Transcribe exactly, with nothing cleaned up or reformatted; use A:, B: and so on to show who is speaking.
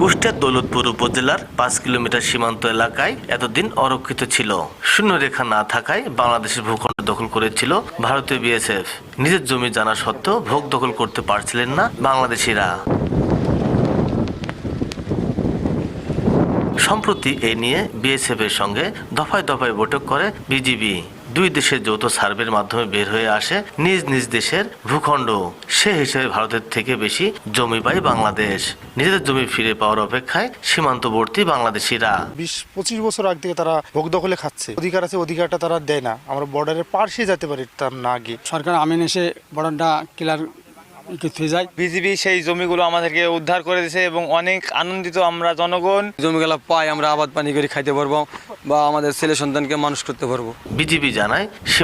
A: কুষ্টিয়ার দৌলতপুর উপজেলার পাঁচ কিলোমিটার সীমান্ত এলাকায় এতদিন অরক্ষিত ছিল। শূন্যরেখা না থাকায় বাংলাদেশের ভূখণ্ড দখল করেছিল ভারতীয় বিএসএফ। নিজের জমি জানা সত্ত্বেও ভোগ দখল করতে পারছিলেন না বাংলাদেশিরা। সম্প্রতি এই নিয়ে বিএসএফ এর সঙ্গে দফায় দফায় বৈঠক করে বিজিবি। দুই দেশের যৌথ সার্ভের মাধ্যমে বের হয়ে আসে নিজ নিজ দেশের ভূখণ্ড। সে হিসেবে ভারতের থেকে বেশি জমি পায় বাংলাদেশ। নিজেদের জমি ফিরে পাওয়ার অপেক্ষায় সীমান্তবর্তী বাংলাদেশিরা।
B: বিশ পঁচিশ বছর আগ থেকে তারা ভোগ দখলে খাচ্ছে। অধিকার আছে, অধিকারটা তারা দেয় না। আমরা বর্ডারের পার দিয়ে যেতে পারি তার না গিয়ে।
C: সরকার আমিন এসে বর্ডারটা ক্লিয়ার যায়।
D: বিজিবি সেই জমিগুলো আমাদেরকে উদ্ধার করে দিয়েছে এবং অনেক আনন্দিত আমরা জনগণ।
C: জমিগুলো পাই আমরা আবাদ পানি করে খাইতে পারবো বা আমাদের ছেলে সন্তানকে মানুষ করতে পারবো।
A: বিজিবি জানায়